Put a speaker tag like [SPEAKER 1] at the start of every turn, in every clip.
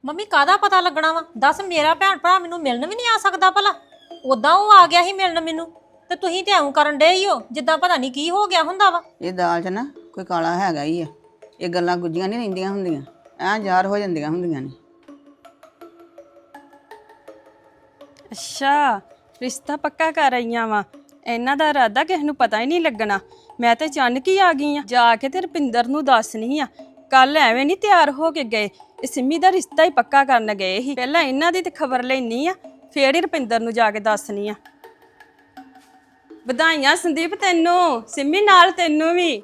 [SPEAKER 1] Mummy ਕਾਹਦਾ ਪਤਾ ਲੱਗਣਾ ਵਾ? ਦੱਸ, ਮੇਰਾ ਭੈਣ ਭਰਾ ਮੈਨੂੰ ਮਿਲਣ ਵੀ ਨਹੀਂ ਆ ਸਕਦਾ ਭਲਾ? ਉਦਾਂ ਉਹ ਆ ਗਿਆ ਸੀ ਮਿਲਣ ਮੈਨੂੰ, ਤੇ ਤੁਸੀਂ ਤੇ ਐਂ ਕਰਨ ਡੇ ਹੀ ਹੋ ਜਿੱਦਾਂ ਪਤਾ ਨਹੀਂ ਕੀ ਹੋ ਗਿਆ ਹੁੰਦਾ ਵਾ।
[SPEAKER 2] ਇਹ ਦਾਲ 'ਚ ਨਾ ਕੋਈ ਕਾਲਾ ਹੈਗਾ ਹੀ ਆ। ਇਹ ਗੱਲਾਂ ਗੁੱਝੀਆਂ ਨਹੀਂ ਰਹਿੰਦੀਆਂ ਹੁੰਦੀਆਂ, ਐਂ ਜ਼ਾਹਰ ਹੋ ਜਾਂਦੀਆਂ ਹੁੰਦੀਆਂ ਨੇ।
[SPEAKER 3] ਅੱਛਾ, ਰਿਸ਼ਤਾ ਪੱਕਾ ਕਰ ਆਈਆਂ ਵਾ। ਇਹਨਾਂ ਦਾ ਇਰਾਦਾ ਕਿਸੇ ਨੂੰ ਪਤਾ ਹੀ ਨਹੀਂ ਲੱਗਣਾ। ਮੈਂ ਤੇ ਅਚਾਨਕ ਹੀ ਆ ਗਈ ਆ। ਜਾ ਕੇ ਤੇ ਰੁਪਿੰਦਰ ਨੂੰ ਦੱਸਣੀ ਆ। ਕੱਲ ਐਵੇਂ ਨਹੀਂ ਤਿਆਰ ਹੋ ਕੇ ਗਏ, ਇਹ ਸਿੰਮੀ ਦਾ ਰਿਸ਼ਤਾ ਹੀ ਪੱਕਾ ਕਰਨ ਗਏ ਸੀ। ਪਹਿਲਾਂ ਇਹਨਾਂ ਦੀ ਤੇ ਖਬਰ ਲੈਣੀ ਆ, ਫੇਰ ਹੀ ਰੁਪਿੰਦਰ ਨੂੰ ਜਾ ਕੇ ਦੱਸਣੀ ਆ। ਵਧਾਈਆਂ ਸੰਦੀਪ ਤੈਨੂੰ, ਸਿੰਮੀ ਨਾਲ ਤੈਨੂੰ ਵੀ।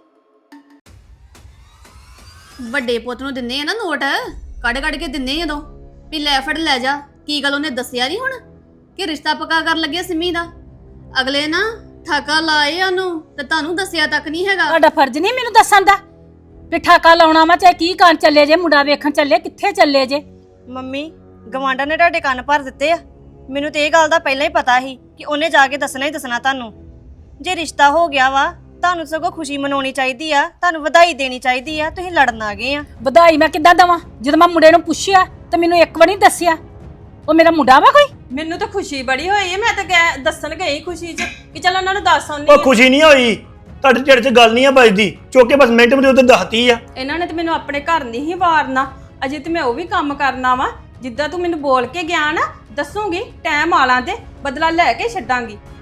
[SPEAKER 4] ਵੱਡੇ ਪੁੱਤ ਨੂੰ ਦਿੰਨੇ ਆ ਨਾ ਨੋਟ, ਕੱਢ ਕੱਢ ਕੇ ਦਿੰਨੇ ਜਦੋਂ ਵੀ ਲੈ ਫੜ ਲੈ ਜਾ। ਕੀ ਗੱਲ ਉਹਨੇ ਦੱਸਿਆ ਨਹੀਂ ਹੁਣ ਕਿ ਰਿਸ਼ਤਾ ਪੱਕਾ ਕਰਨ ਲੱਗਿਆ ਸਿੰਮੀ ਦਾ? ਅਗਲੇ ਨਾ ਠਾਕਾ ਲਾਏ ਉਹਨੂੰ ਤੇ ਤੁਹਾਨੂੰ ਦੱਸਿਆ ਤੱਕ ਨਹੀਂ ਹੈਗਾ।
[SPEAKER 5] ਤੁਹਾਡਾ ਫਰਜ਼ ਨਹੀਂ ਮੈਨੂੰ ਦੱਸਣ ਦਾ ਵੀ ਠਾਕਾ ਲਾਉਣਾ ਵਾ, ਚਾਹੇ ਕੀ ਕਰਨ ਚੱਲੇ ਜੇ, ਮੁੰਡਾ ਵੇਖਣ ਚੱਲੇ, ਕਿੱਥੇ ਚੱਲੇ ਜੇ?
[SPEAKER 6] ਮੰਮੀ, ਗਵਾਂਢਾਂ ਨੇ ਤੁਹਾਡੇ ਕੰਨ ਭਰ ਦਿੱਤੇ ਆ। ਮੈਨੂੰ ਤੇ ਇਹ ਗੱਲ ਦਾ ਪਹਿਲਾਂ ਹੀ ਪਤਾ ਸੀ ਕਿ ਉਹਨੇ ਜਾ ਕੇ ਦੱਸਣਾ ਹੀ ਦੱਸਣਾ ਤੁਹਾਨੂੰ। ਜੇ ਰਿਸ਼ਤਾ ਹੋ ਗਿਆ ਵਾ, ਤੁਹਾਨੂੰ ਸਗੋਂ ਖੁਸ਼ੀ ਮਨਾਉਣੀ ਚਾਹੀਦੀ ਆ, ਤੁਹਾਨੂੰ ਵਧਾਈ ਦੇਣੀ ਚਾਹੀਦੀ ਆ। ਤੁਸੀਂ ਲੜਨ ਆ ਗਏ ਆ।
[SPEAKER 5] ਵਧਾਈ ਮੈਂ ਕਿੱਦਾਂ ਦਵਾਂ ਜਦੋਂ ਮੈਂ ਮੁੰਡੇ ਨੂੰ ਪੁੱਛਿਆ ਤੇ ਮੈਨੂੰ ਇੱਕ ਵਾਰ ਨਹੀਂ ਦੱਸਿਆ? ਉਹ ਮੇਰਾ ਮੁੰਡਾ ਵਾ ਕੋਈ?
[SPEAKER 3] ਮੈਨੂੰ ਤਾਂ ਖੁਸ਼ੀ ਬੜੀ ਹੋਈ ਹੈ। ਮੈਂ ਤਾਂ ਦੱਸਣ ਗਈ ਖੁਸ਼ੀ 'ਚ ਕਿ ਚੱਲ ਉਹਨਾਂ ਨੂੰ ਦੱਸ ਆਉਂਦੀ
[SPEAKER 7] ਉਹ ਖੁਸ਼ੀ ਨਹੀਂ ਹੋਈ, ਤੁਹਾਡੇ ਢਿੱਡ 'ਚ ਗੱਲ ਨਹੀਂ ਆ ਵੱਜਦੀ। ਚੁੱਕ ਕੇ ਬਸ ਮਿੰਟ ਵਿੱਚ ਉੱਧਰ ਦੱਸਤੀ ਆ।
[SPEAKER 3] ਇਹਨਾਂ ਨੇ ਤੇ ਮੈਨੂੰ ਆਪਣੇ ਘਰ ਨਹੀਂ ਹੀ ਵਾਰਨਾ। ਅਜੇ ਤੇ ਮੈਂ ਉਹ ਵੀ ਕੰਮ ਕਰਨਾ ਵਾ ਜਿੱਦਾਂ ਤੂੰ ਮੈਨੂੰ ਬੋਲ ਕੇ ਗਿਆ ਨਾ। ਦੱਸੂਗੀ ਟਾਈਮ ਆਲਾਂ ਤੇ ਬਦਲਾ ਲੈ ਕੇ ਛੱਡਾਂਗੀ।